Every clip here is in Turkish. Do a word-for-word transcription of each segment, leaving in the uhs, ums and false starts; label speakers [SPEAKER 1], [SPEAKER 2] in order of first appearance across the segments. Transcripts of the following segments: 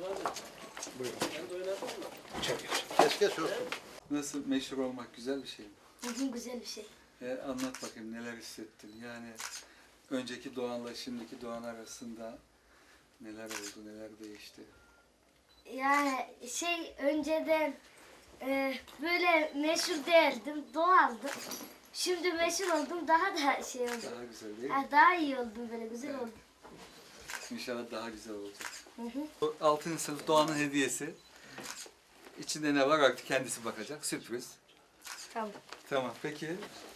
[SPEAKER 1] Buyurun. Çekil. Keşke olsun.
[SPEAKER 2] Nasıl, meşhur olmak güzel bir şey mi?
[SPEAKER 3] Bugün güzel bir şey.
[SPEAKER 2] E, anlat bakayım, neler hissettin? Yani önceki Doğan'la şimdiki Doğan arasında neler oldu, neler değişti?
[SPEAKER 3] Yani şey önceden e, böyle meşhur değildim, doğaldım. Şimdi meşhur oldum, daha da şey oldum.
[SPEAKER 2] Daha güzel değil mi?
[SPEAKER 3] Ha, daha iyi oldum, böyle güzel
[SPEAKER 2] Evet.
[SPEAKER 3] oldum.
[SPEAKER 2] İnşallah daha güzel olacak.
[SPEAKER 3] Hı hı.
[SPEAKER 2] Bu altıncı sınıf Doğan'ın hediyesi. İçinde ne var artık kendisi bakacak. Sürpriz.
[SPEAKER 3] Tamam.
[SPEAKER 2] Tamam, peki.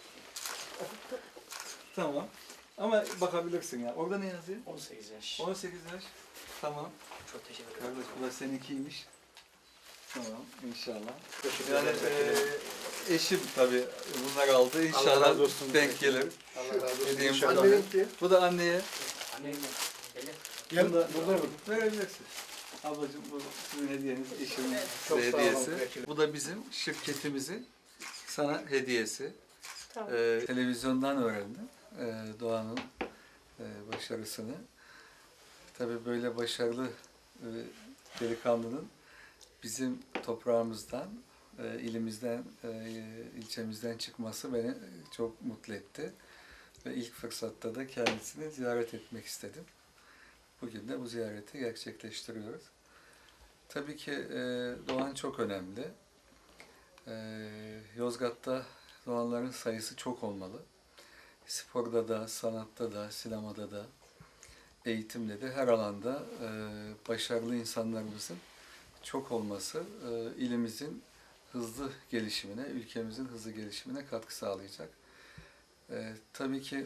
[SPEAKER 2] Tamam. Ama bakabilirsin ya. Orada ne yazıyor?
[SPEAKER 4] on sekiz yaş.
[SPEAKER 2] on sekiz yaş. Tamam.
[SPEAKER 4] Çok teşekkür ederim.
[SPEAKER 2] Kardeş, bu da seninkiymiş. Tamam, inşallah.
[SPEAKER 1] Teşekkür
[SPEAKER 2] Yani
[SPEAKER 1] ederim.
[SPEAKER 2] eee eşim tabii bunlar aldı.
[SPEAKER 1] Allah
[SPEAKER 2] İnşallah
[SPEAKER 1] razı olsun.
[SPEAKER 2] denk gelir.
[SPEAKER 1] Allah razı olsun.
[SPEAKER 2] Hediyem
[SPEAKER 1] İnşallah.
[SPEAKER 2] bu da.
[SPEAKER 1] Anneninki.
[SPEAKER 2] Bu da anneye.
[SPEAKER 4] Annem gelin.
[SPEAKER 1] Gel
[SPEAKER 2] Bunu da
[SPEAKER 1] burada mı?
[SPEAKER 2] verebilirsin. Ablacığım, bu sizin hediyeniz, eşimin
[SPEAKER 1] Çok
[SPEAKER 2] size
[SPEAKER 1] sağ olun,
[SPEAKER 2] hediyesi.
[SPEAKER 1] vekilim.
[SPEAKER 2] Bu da bizim şirketimizin sana hediyesi.
[SPEAKER 3] Tamam.
[SPEAKER 2] Ee, televizyondan öğrendim ee, Doğan'ın e, başarısını. Tabii böyle başarılı e, delikanlının bizim toprağımızdan, e, ilimizden, e, ilçemizden çıkması beni çok mutlu etti. Ve ilk fırsatta da kendisini ziyaret etmek istedim. Bugün de bu ziyareti gerçekleştiriyoruz. Tabii ki e, Doğan çok önemli. E, Yozgat'ta Doğanların sayısı çok olmalı. Sporda da, sanatta da, sinemada da, eğitimde de her alanda e, başarılı insanlarımızın çok olması e, ilimizin hızlı gelişimine, ülkemizin hızlı gelişimine katkı sağlayacak. E, tabii ki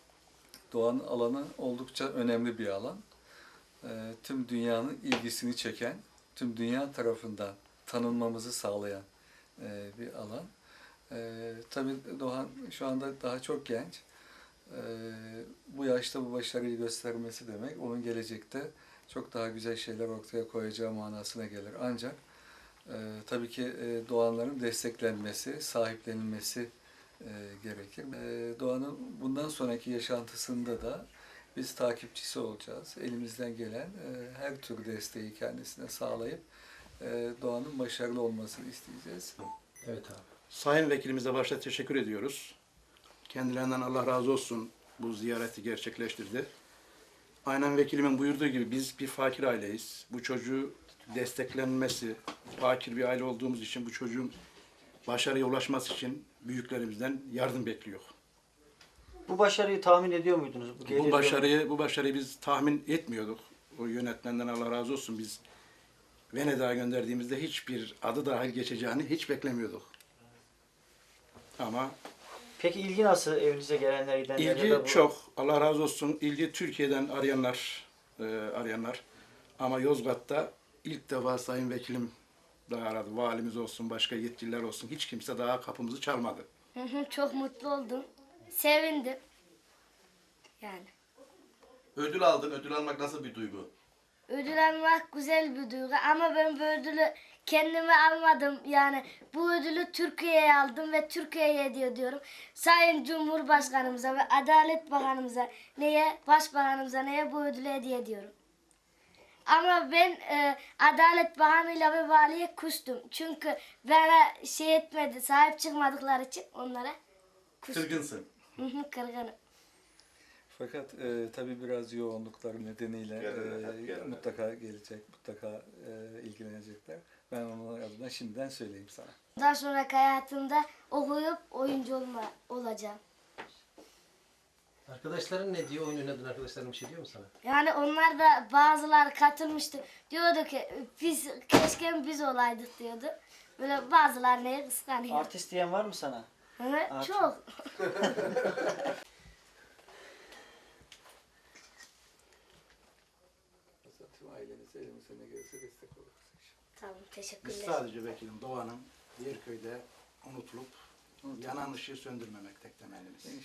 [SPEAKER 2] Doğan alanı oldukça önemli bir alan. E, tüm dünyanın ilgisini çeken, tüm dünya tarafından tanınmamızı sağlayan e, bir alan. E, tabii Doğan şu anda daha çok genç. E, bu yaşta bu başarıyı göstermesi demek, onun gelecekte çok daha güzel şeyler ortaya koyacağı manasına gelir. Ancak e, tabii ki e, Doğanların desteklenmesi, sahiplenilmesi e, gerekir. E, Doğan'ın bundan sonraki yaşantısında da biz takipçisi olacağız. Elimizden gelen e, her tür desteği kendisine sağlayıp e, Doğan'ın başarılı olmasını isteyeceğiz.
[SPEAKER 1] Evet abi. Sayın Vekilimize başta teşekkür ediyoruz. Kendilerinden Allah razı olsun bu ziyareti gerçekleştirdi. Aynen vekilimin buyurduğu gibi biz bir fakir aileyiz. Bu çocuğu desteklenmesi, fakir bir aile olduğumuz için bu çocuğun başarıya ulaşması için büyüklerimizden yardım bekliyor.
[SPEAKER 4] Bu başarıyı tahmin ediyor muydunuz? Bu, gelir
[SPEAKER 1] Bu
[SPEAKER 4] diyor
[SPEAKER 1] başarıyı bu başarıyı biz tahmin etmiyorduk. O yönetmenden Allah razı olsun biz Venedik'e gönderdiğimizde hiçbir adı dahil geçeceğini hiç beklemiyorduk. Ama
[SPEAKER 4] Peki ilgi nasıl evinize gelenler, gidenler? ya da
[SPEAKER 1] ilgi
[SPEAKER 4] bu-
[SPEAKER 1] çok. Allah razı olsun. İlgi Türkiye'den arayanlar, e, arayanlar. Ama Yozgat'ta ilk defa Sayın Vekilim daha aradı. Valimiz olsun, başka yetkililer olsun. Hiç kimse daha kapımızı çalmadı.
[SPEAKER 3] Hı hı, çok mutlu oldum. Sevindim. Yani.
[SPEAKER 5] Ödül aldın. Ödül almak nasıl bir duygu?
[SPEAKER 3] Ödül almak güzel bir duygu ama ben bu ödülü kendime almadım. Yani bu ödülü Türkiye'ye aldım ve Türkiye'ye hediye ediyorum. Sayın Cumhurbaşkanımıza ve Adalet Bakanımıza, neye, Başbakanımıza, neye bu ödülü hediye ediyorum. Ama ben e, Adalet Bakanı'yla ve valiye kustum. Çünkü bana şey etmedi, sahip çıkmadıkları için onlara kustum.
[SPEAKER 5] Kırgınsın.
[SPEAKER 3] Hı hı, kırgınım.
[SPEAKER 2] Fakat e, tabii biraz yoğunlukları nedeniyle
[SPEAKER 5] Gelirler, hep
[SPEAKER 2] e,
[SPEAKER 5] gelirler.
[SPEAKER 2] mutlaka gelecek, mutlaka e, ilgilenecekler. Ben onun adına şimdiden söyleyeyim sana.
[SPEAKER 3] Daha sonraki hayatımda okuyup oyuncu olma, olacağım.
[SPEAKER 6] Arkadaşların ne diyor? Oyun oynadın arkadaşların bir şey diyor mu sana?
[SPEAKER 3] Yani onlar da bazıları katılmıştı. Diyordu ki biz keşke biz olaydık diyordu. Böyle bazıları neye kıskanıyor.
[SPEAKER 4] Artist diyen var mı sana?
[SPEAKER 3] Hı,
[SPEAKER 4] Art-
[SPEAKER 3] çok.
[SPEAKER 2] Tüm ailenize elimizde ne gelirse destek oluruz inşallah.
[SPEAKER 3] Tamam,
[SPEAKER 1] Biz
[SPEAKER 3] teşekkürler.
[SPEAKER 1] sadece vekilim Doğan'ın diğer köyde unutulup yanan ışığı söndürmemek tek temennimiz.